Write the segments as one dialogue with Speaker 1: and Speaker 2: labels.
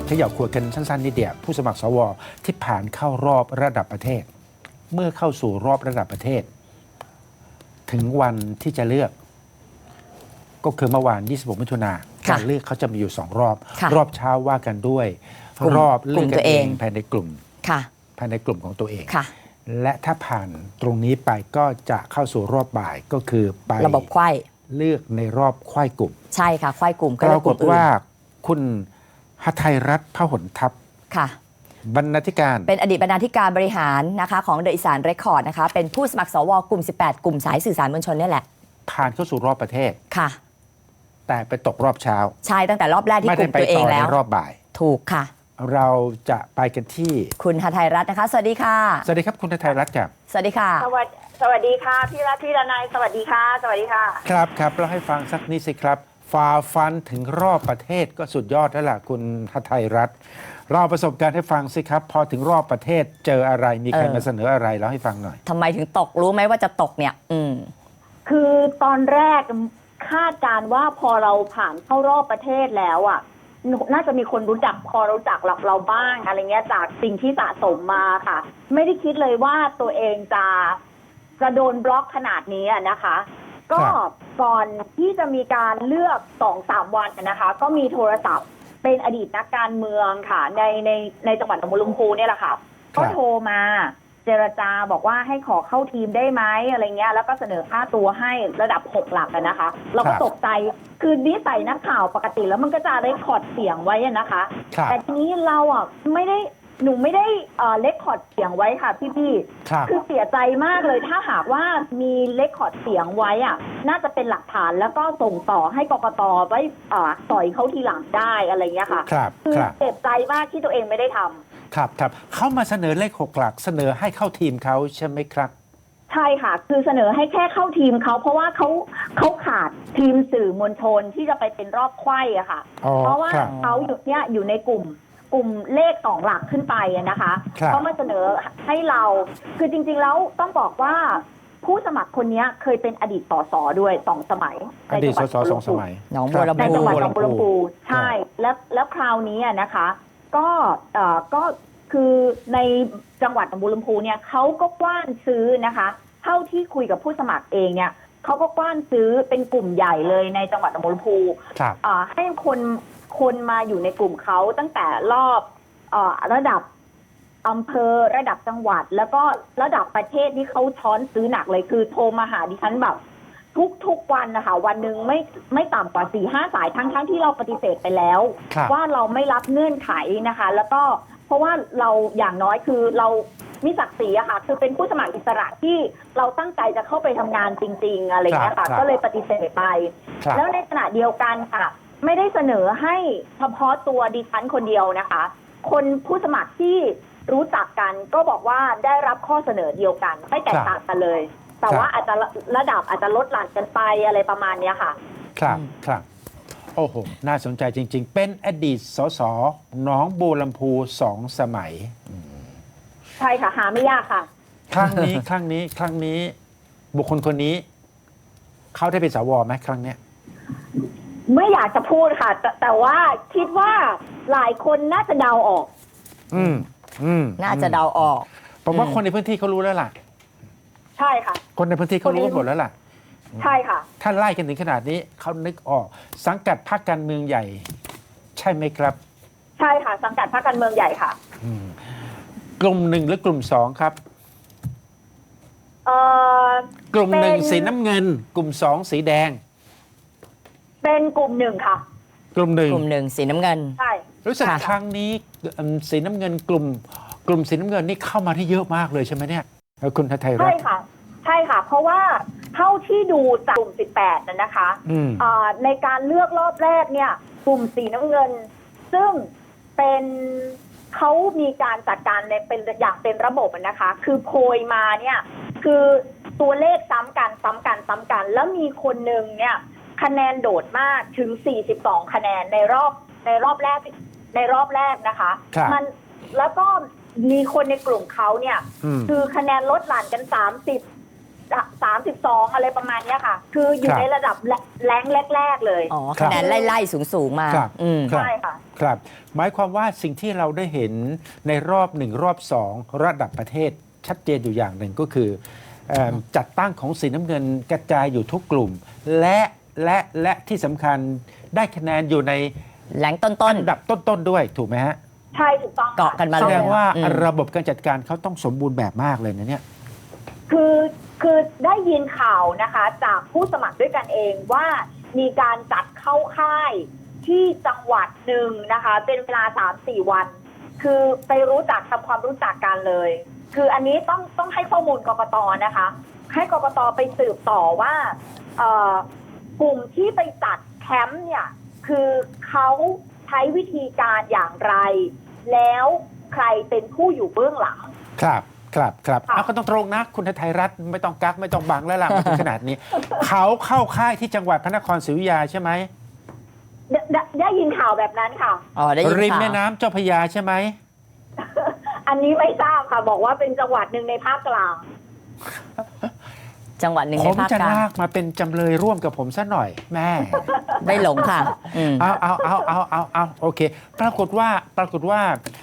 Speaker 1: ขยับขวดกันสั้นๆนิดเดียวผู้สมัครสวที่ผ่านเข้ารอบระดับประเทศ เมื่อเข้าสู่รอบระดับประเทศ ถึงวันที่จะเลือก ก็คือเมื่อวาน 26 มิถุนาการเลือกเขาจะมีอยู่ 2 รอบ รอบเช้าว่ากันด้วยรอบเลือกกันเองภายในกลุ่มภายในกลุ่มของตัวเองและถ้าผ่านตรงนี้ไปก็จะเข้าสู่รอบบ่ายก็คือไประบบไขว้เลือกในรอบไขว้กลุ่ม
Speaker 2: ใช่ค่ะไขว้กลุ่ม
Speaker 1: ปรากฏว่าคุณหทัยรัตน์พหลทัพ
Speaker 2: ค่ะ
Speaker 1: บรรณาธิการ
Speaker 2: เป็นอดีตบรรณาธิการบริหารนะคะของเดอะอีสานเรคคอร์ดนะคะเป็นผู้สมัครสวกลุ่ม 18 กลุ่มสายสื่อสารมวลชนนี่แหละ
Speaker 1: ผ่านเข้าสู่รอบประเทศ
Speaker 2: ค่ะ
Speaker 1: แต่ไปตกรอบเช้า
Speaker 2: ใช่ตั้งแต่รอบแรกที่กลุ่มตัวเองแล้ว
Speaker 1: ไม่ได้ไปต่อในรอบบ่าย
Speaker 2: ถูกค่ะ
Speaker 1: เราจะไปกันที่
Speaker 2: คุณหทัยรัตน์นะคะสวัสดีค่ะ
Speaker 1: สวัสดีครับคุณหทัยรัตน์ครับ
Speaker 2: สวัสดีค่ะ
Speaker 3: สวัสดีค่ะพี่รัตน์พี่ดนายสวัสดีค่ะสวัสดีค่ะ
Speaker 1: ครับเล่าให้ฟังสักนิดสิครับฝ่าฟันถึงรอบประเทศก็สุดยอดแล้วล่ะคุณหทัยรัตน์เราประสบการณ์ให้ฟังสิครับพอถึงรอบประเทศเจออะไรมีใครมาเสนออะไรเล่าให้ฟังหน่อย
Speaker 2: ทำไมถึงตกรู้ไหมว่าจะตกเนี่ย
Speaker 3: คือตอนแรกคาดการว่าพอเราผ่านเข้ารอบประเทศแล้วอ่ะน่าจะมีคนรู้จักพอรู้จักเราบ้างอะไรเงี้ยจากสิ่งที่สะสมมาค่ะไม่ได้คิดเลยว่าตัวเองจะโดนบล็อกขนาดนี้นะคะ ก็ก่อนที่จะมีการเลือก 2-3 วันนะคะก็มีโทรศัพท์เป็นอดีตนักการเมืองค่ะในจังหวัดหนองบัวลำพูเนี่ยแหละค่ะก็โทรมาเจรจาบอกว่าให้ขอเข้าทีมได้ไหมอะไรเงี้ยแล้วก็เสนอค่าตัวให้ระดับ6 หลักนะคะเราก็ตกใจคือนิสัยนักข่าวปกติแล้วมันก็จะเรคคอร์ดเสียงไว้นะคะแต่ทีนี้เราหนูไม่ได้เรคคอร์ดเสียงไว้ค่ะพี่คือเสียใจมากเลยถ้าหากว่ามีเรคคอร์ดเสียงไว้น่าจะเป็นหลักฐานแล้วก็ส่งต่อให้กกตไว้สอยเขาทีหลังได้อะไรเงี้ยค่ะคือเจ็บใจมากที่ตัวเองไม่ได้ทำ
Speaker 1: ครับเขามาเสนอเลข6 หลักเสนอให้เข้าทีมเขาใช่ไหมครับ
Speaker 3: ใช่ค่ะคือเสนอให้แค่เข้าทีมเขาเพราะว่าเขาขาดทีมสื่อมวลชนที่จะไปเป็นรอบไขว้อะค่ะเพราะว่าเขาอยู่ในกลุ่มเลข2 หลักขึ้นไปนะคะเขามาเสนอให้เราคือจริงๆแล้วต้องบอกว่าผู้สมัครคนนี้เคยเป็นอดีตสสด้วย2 สมัย
Speaker 1: อดีตสส2 สมัย
Speaker 2: หนองบัวลำพู
Speaker 3: ในจังหวัดหนองบัวลำพูใช่แล้วคราวนี้นะคะก็คือในจังหวัดหนองบัวลำพูเนี่ยเขาก็กว้านซื้อนะคะเท่าที่คุยกับผู้สมัครเองเนี่ยเขาก็กว้านซื้อเป็นกลุ่มใหญ่เลยในจังหวัดหนองบัวลำพูให้คนมาอยู่ในกลุ่มเขาตั้งแต่รอบระดับอำเภอระดับจังหวัดแล้วก็ระดับประเทศที่เขาช้อนซื้อหนักเลยคือโทรมาหาดิฉันแบบทุกวันนะคะวันหนึ่งไม่ต่ำกว่า 4-5 สายทั้งที่เราปฏิเสธไปแล้วว่าเราไม่รับเงื่อนไขนะคะแล้วก็เพราะว่าเราอย่างน้อยคือเรามีศักดิ์ศรีอะค่ะคือเป็นผู้สมัครอิสระที่เราตั้งใจจะเข้าไปทำงานจริงๆอะไรอย่างเงี้ยค่ะก็เลยปฏิเสธไปแล้วในขณะเดียวกันค่ะไม่ได้เสนอให้เฉพาะตัวดิฉันคนเดียวนะคะคนผู้สมัครที่รู้จักกันก็บอกว่าได้รับข้อเสนอเดียวกันไม่แตกต่างกันเลยแต่ว่าอาจจะระดับอาจจะลดหลั่นกันไปอะไรประมาณนี้ค่ะ
Speaker 1: ครับโอ้โหน่าสนใจจริงๆเป็นอดีตสสหนองบัวลำพู2 สมัย
Speaker 3: ใช่ค่ะหาไม่ยากค่ะ
Speaker 1: ครั้งนี้บุคคลคนนี้เขาได้เป็นสวไหมครั้งเนี้ย
Speaker 3: ไม่อยากจะพูดค่ะแต่ว่าคิดว่าหลายคนน่าจะเดาออก
Speaker 2: น่าจะเดาออก
Speaker 1: ผมว่าคนในพื้นที่เขารู้แล้วล่ะ
Speaker 3: ใช่ค่ะ
Speaker 1: คนในพื้นที่เขารู้หมดแล้วล่ะ
Speaker 3: ใช่ค่ะ
Speaker 1: ท่านไล่กันถึงขนาดนี้เขานึกออกสังกัดพรรคการเมืองใหญ่ใช่ไหมครับ
Speaker 3: ใช่ค่ะสังกัดพรรคการเมืองใหญ่ค่ะ
Speaker 1: กลุ่ม 1หรือกลุ่ม 2ครับกลุ่ม 1สีน้ำเงินกลุ่ม 2สีแดง
Speaker 3: เป็นกลุ่ม 1ค่ะ
Speaker 1: กลุ่ม 1
Speaker 2: สีน้ำเงิน
Speaker 3: ใช่
Speaker 1: รู้สึกครั้งนี้สีน้ำเงินกลุ่มสีน้ำเงินนี่เข้ามาที่เยอะมากเลยใช่ไหมเนี่ยคุณหทัยรัตน์
Speaker 3: ใช่ค่ะเพราะว่าเท่าที่ดูจากกลุ่ม18นะคะในการเลือกรอบแรกเนี่ยกลุ่มสีน้ำเงินซึ่งเป็นเขามีการจัดการในเป็นอย่างเป็นระบบนะคะคือโพยมาเนี่ยคือตัวเลขซ้ำกันแล้วมีคนหนึ่งเนี่ยคะแนนโดดมากถึง42 คะแนนในรอบแรกนะคะมันแล้วก็มีคนในกลุ่มเขาเนี่ยคือคะแนนลดหลั่นกัน 32อะไรประมาณเนี้ยค่ะ คืออยู่ในระดับแรงแรกๆเลย
Speaker 2: อ๋อคะแนนไล่ๆสูงๆมา
Speaker 1: ครับ
Speaker 2: อืม
Speaker 1: ครับ
Speaker 3: ใช่ค่ะ
Speaker 1: ครับหมายความว่าสิ่งที่เราได้เห็นในรอบหนึ่งรอบสองระดับประเทศชัดเจนอยู่อย่างหนึ่งก็คือจัดตั้งของสีน้ำเงินกระจายอยู่ทุกกลุ่ม และที่สำคัญได้คะแนนอยู่ใน
Speaker 2: แหลงต้น
Speaker 1: อันดับต้นๆด้วยถูกไหมฮะ
Speaker 3: ใช่ถูกต้อง
Speaker 2: เกาะกันมา
Speaker 1: แส
Speaker 2: เลย
Speaker 1: ดงว่า
Speaker 2: อืม
Speaker 1: ระบบการจัดการเขาต้องสมบูรณ์แบบมากเลยนะเนี่ย
Speaker 3: คือได้ยินข่าวนะคะ จากผู้สมัครด้วยกันเองว่ามีการจัดเข้าค่ายที่จังหวัดหนึ่งนะคะ เป็นเวลา 3-4 วัน คือไปรู้จักทำความรู้จักกันเลย คืออันนี้ต้องให้ข้อมูลกกตนะคะ ให้กกตไปสืบต่อว่ากลุ่มที่ไปจัดแคมป์เนี่ยคือเขาใช้วิธีการอย่างไร แล้วใครเป็นผู้อยู่เบื้องหลัง
Speaker 1: ครับ
Speaker 3: ค่ะ
Speaker 1: เอาก็ต้องตรงนะ คุณไทยรัฐไม่ต้องกักไม่ต้องบังแล้วล่ะมาถึงขนาดนี้ เขาเข้าค่ายที่จังหวัดพระนครศรีอยุธยาใช่ไหม
Speaker 3: ได้ยินข่าวแบบนั้นค่ะ
Speaker 2: อ๋อได้ยิน
Speaker 1: ริม
Speaker 2: ข่าว
Speaker 1: แม่น้ำเจ้าพระยาใช่ไหม
Speaker 3: อันนี้ไม่ทราบค่ะ บอกว่าเป็นจังหวัดหนึ่งในภาคกลาง
Speaker 2: จังหวัดหนึ่ง
Speaker 1: ผ
Speaker 2: ใน
Speaker 1: ม
Speaker 2: ภาค
Speaker 1: จะ
Speaker 2: กลาง
Speaker 1: ลากมาเป็นจำเลยร่วมกับผมซะหน่อยแม่
Speaker 2: ไม่หลงค่ะอืม
Speaker 1: เอาโอเค ปรากฏว่า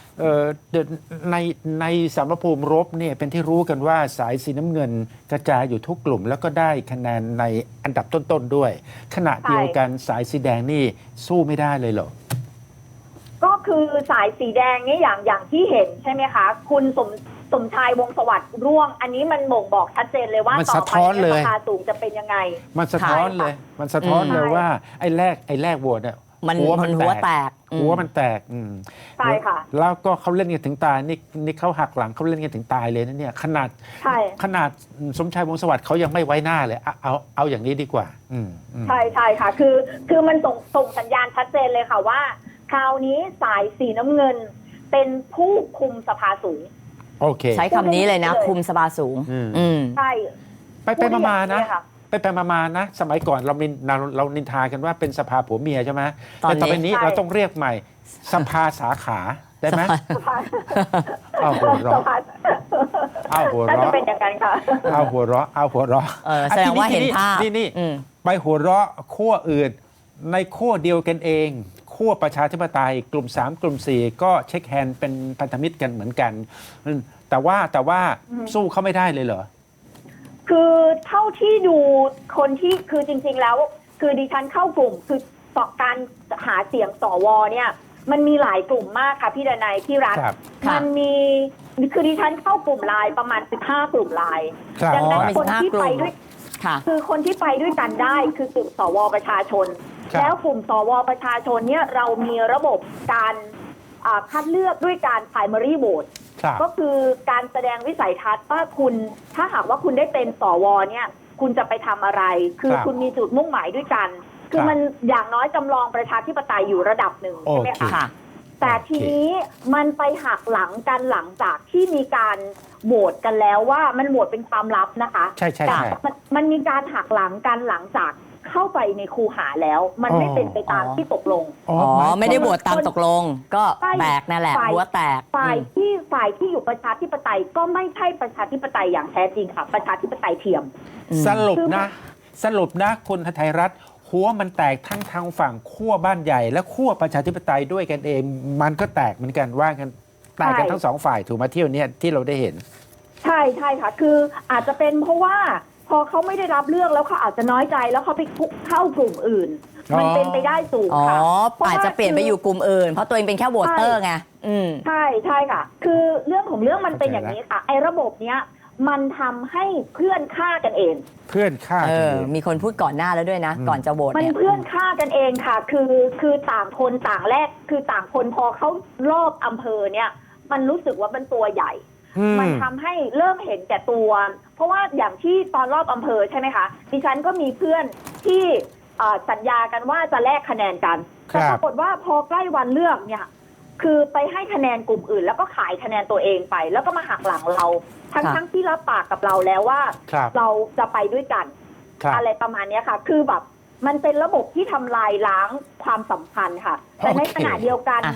Speaker 1: ในสมรภูมิรบเนี่ยเป็นที่รู้กันว่าสายสีน้ำเงินกระจายอยู่ทุกกลุ่ม แล้วก็ได้คะแนนในอันดับต้นๆด้วย ขณะเดียวกันสายสีแดงนี่สู้ไม่ได้เลยเหรอ
Speaker 3: ก็คือสายสีแดงนี่อย่างที่เห็นใช่ไหมคะ คุณสมชายวงศ์สวัสดิ์ร่วง อันนี้มันบ่งบอกชัดเจนเลยว่า
Speaker 1: มัน
Speaker 3: ต่อ
Speaker 1: สะ
Speaker 3: ไป
Speaker 1: ท้อนเลย
Speaker 3: ราคาสูงจะเป็นยังไง
Speaker 1: มันสะท้อนเลย มันสะท้อนเลยว่าไอ้แรกโหวตเนี่ย
Speaker 2: มัน
Speaker 1: หัว
Speaker 2: หัวแตกอืม
Speaker 1: หัวมันแตก
Speaker 3: ใช่ค่ะ
Speaker 1: แล้วก็เขาเล่นกันถึงตายนี่เขาหักหลังเขาเล่นกันถึงตายเลยนะเนี่ยขนาด
Speaker 3: ใช่
Speaker 1: สมชายวงศ์สวัสดิ์เขายังไม่ไว้หน้าเลยเอาอย่างนี้ดีกว่าอืม
Speaker 3: ใช่ค่ะ คือมันส่งสัญญาณชัดเจนเลยค่ะว่า คราวนี้สายสีน้ำเงินเป็นผู้คุมสภาสูง
Speaker 1: โอเค
Speaker 2: ใช้คำนี้เลยนะ คุมสภาสูง อืม
Speaker 3: ใช่
Speaker 1: ไปมาๆนะ
Speaker 3: ค่ะ
Speaker 1: ไปมาๆนะ สมัยก่อนเรานินทากันว่าเป็นสภาผัวเมียใช่ไหม
Speaker 2: ตอนนี้
Speaker 1: แต่ต่อไปนี้
Speaker 3: ใช่
Speaker 1: เราต้องเรียกใหม่สภาสาขาได้ไหม
Speaker 3: สภา
Speaker 1: เอาหัวเราะ
Speaker 3: สภา
Speaker 1: เอาหัว
Speaker 3: น่าจะ
Speaker 1: เราะ
Speaker 3: เป็นอย่างนั้นค่ะ
Speaker 1: เอาหัวเราะเอาหัวเราะ
Speaker 2: แสดงว่าเห็นภาพ
Speaker 1: นี่
Speaker 2: อืม
Speaker 1: ไปหัวเราะขั้วอื่นในขั้วเดียวกันเองขั้วประชาธิปไตยกลุ่ม 3 กลุ่ม 4 ก็เช็คแฮนด์เป็นพันธมิตรกันเหมือนกันแต่ว่าสู้เขาไม่ได้เลยเหรอ
Speaker 3: คือเท่าที่ดูคนที่คือจริงๆแล้ว คือดิฉันเข้ากลุ่มคือต่อการหาเสียงสวเนี่ยมันมีหลายกลุ่มมากค่ะพี่ดนัยพี่รัฐ
Speaker 1: ครับ
Speaker 3: มันมีคือดิฉันเข้ากลุ่มไลน์ประมาณ15กลุ่มไลน์
Speaker 1: ครับ
Speaker 3: ดังนั้น
Speaker 2: มี
Speaker 3: คนที่
Speaker 2: 15กลุ่
Speaker 3: ไป
Speaker 2: ม
Speaker 3: ด้วย
Speaker 2: ค่ะ
Speaker 3: คือคนที่ไปด้วยกันได้คือกลุ่มสวประชาชน
Speaker 1: ครับ
Speaker 3: แล้วกลุ่มสวประชาชนเนี่ยเรามีระบบการคัดเลือกด้วยการ primary vote
Speaker 1: ครับ
Speaker 3: ก็คือการแสดงวิสัยทัศน์ว่าคุณถ้าหากว่าคุณได้เป็นสวเนี่ยคุณจะไปทำอะไร คือ
Speaker 1: ครับ
Speaker 3: คุณมีจุดมุ่งหมายด้วยกัน คือ
Speaker 1: ครับ
Speaker 3: มันอย่างน้อยจำลองประชาธิปไตยอยู่ระดับหนึ่งใช่ไหม
Speaker 1: โอเค
Speaker 3: คะ
Speaker 2: ค่ะ
Speaker 3: แต่ทีนี้มันไปหักหลังกันหลังจากที่มีการโหวตกันแล้วว่ามันโหวตเป็นความลับนะคะ
Speaker 1: ใช่
Speaker 3: แต่มันมีการหักหลังกันหลังจากเข้าไปในคูหาแล้ว มันไม่เป็นไปตามที่ตกลง
Speaker 2: อ๋อ ไม่ได้โหวตตามตกลง ก็แตกนั่นแหละ หัวแตก
Speaker 3: ฝ่ายที่อยู่ประชาธิปไตยก็ไม่ใช่ประชาธิปไตยอย่างแท้จริงค่ะ ประชาธิปไตยเทียม
Speaker 1: สรุปนะคุณไทยรัฐหัวมันแตกทั้งทางฝั่งขั้วบ้านใหญ่ และขั้วประชาธิปไตยด้วยกันเอง มันก็แตกเหมือนกันว่ากันแตกกันทั้งสองฝ่ายถูกไหมาเที่ยวเนี้ยที่เราได้เห็น
Speaker 3: ใช่ค่ะ คืออาจจะเป็นเพราะว่าพอเขาไม่ได้รับเลือกแล้วเขาอาจจะน้อยใจแล้วเขาไปเข้ากลุ่มอื่น มันเป็นไปได้สูง
Speaker 2: อ๋อ
Speaker 3: ค่ะพร
Speaker 2: อาจจะเปลี่ยนไปอยู่กลุ่มอื่น เพราะตัวเองเป็นแค่โหวตเตอร์ไง
Speaker 3: ใช่ค่ะ คือเรื่องของเรื่องมันเป็นอย่างนี้ค่ะไอ้ระบบเนี้ยมันทำให้เพื่อนฆ่ากันเอง
Speaker 1: เพื่อนฆ่ากันเอง
Speaker 2: มีคนพูดก่อนหน้าแล้วด้วยนะ ก่อนจะโหวต
Speaker 3: มัน
Speaker 2: เนี่ย
Speaker 3: เพื่อนฆ่ากันเองค่ะ คือต่างคนต่างแรกคือต่างคนพอเขารอบอำเภอเนี่ย มันรู้สึกว่ามันตัวใหญ่ มันทำให้เริ่มเห็นแก่ตัว เพราะว่าอย่างที่ตอนรอบอำเภอใช่ไหมคะดิฉันก็มีเพื่อนที่สัญญากันว่าจะแลกคะแนนกันแต่ปรากฏว่าพอใกล้วันเลือกเนี่ย คือไปให้คะแนนกลุ่มอื่น แล้วก็ขายคะแนนตัวเองไป แล้วก็มาหักหลังเรา ทั้งที่รับปากกับเราแล้วว่า เราจะไปด้วยกัน อะไรประมาณนี้ค่ะ คือแบบมันเป็นระบบที่ทำลายล้างความสัมพันธ์ค่ะ แต่ในขณะเดียวกัน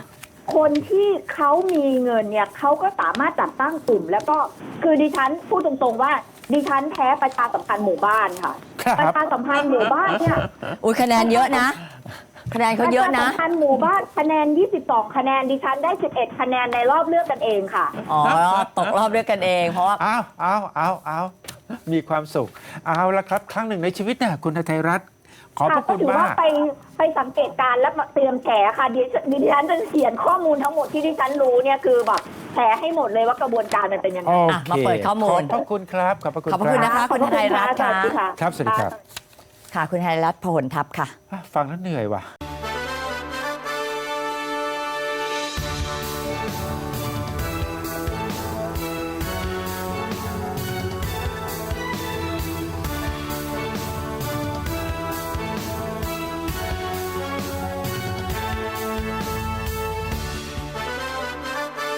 Speaker 3: คนที่เขามีเงินเนี่ยเขาก็สามารถจัดตั้งกลุ่ม แล้วก็คือดิฉันพูดตรงๆว่าดิฉันแพ้ประชาสัมพันธ์หมู่บ้านค่ะ
Speaker 1: ครับ
Speaker 3: ประชาสัมพันธ์หมู่บ้านเนี่ย
Speaker 2: อุ้ยคะแนนเยอะนะ คะแนนเขาเยอะ
Speaker 3: ประ
Speaker 2: นะ
Speaker 3: ชาสัมพันธ์หมู่บ้านคะแนน 22 คะแนนดิฉันได้ 11 คะแนนในรอบเลือกกันเองค่ะ
Speaker 2: อ๋อ ตกรอบด้วยกันเอง เพราะว่า
Speaker 1: เอามีความสุข เอาละครับ ครั้งหนึ่งในชีวิตนะคุณไทยรัฐ ขอบพ
Speaker 3: ค่ะ
Speaker 1: ระ
Speaker 3: ก็
Speaker 1: คุณ
Speaker 3: ถือ
Speaker 1: มา
Speaker 3: ว่าก ไปสังเกตการณ์และมาเตรียมแฉค่ะดิฉันจะเขียนข้อมูลทั้งหมดที่ดิฉันรู้เนี่ยคือแบบแฉให้หมดเลยว่ากระบวนการมันเป็นยังไง
Speaker 1: โอ
Speaker 2: อ่ะ
Speaker 1: เค
Speaker 2: มาเปิดข้อมูล
Speaker 1: ขอบพระคุณครับ ขอบพระคุณ
Speaker 2: ขอบพระคุณ
Speaker 1: รับ
Speaker 2: นะคะ คุณไทยรัฐ
Speaker 3: สวัสดีค่ะ
Speaker 1: ครับสวัสดีครับ
Speaker 2: ค่ะ คุณไทยรัฐพหลทัพค่ะ
Speaker 1: ฟังแล้วเหนื่อยว่ะ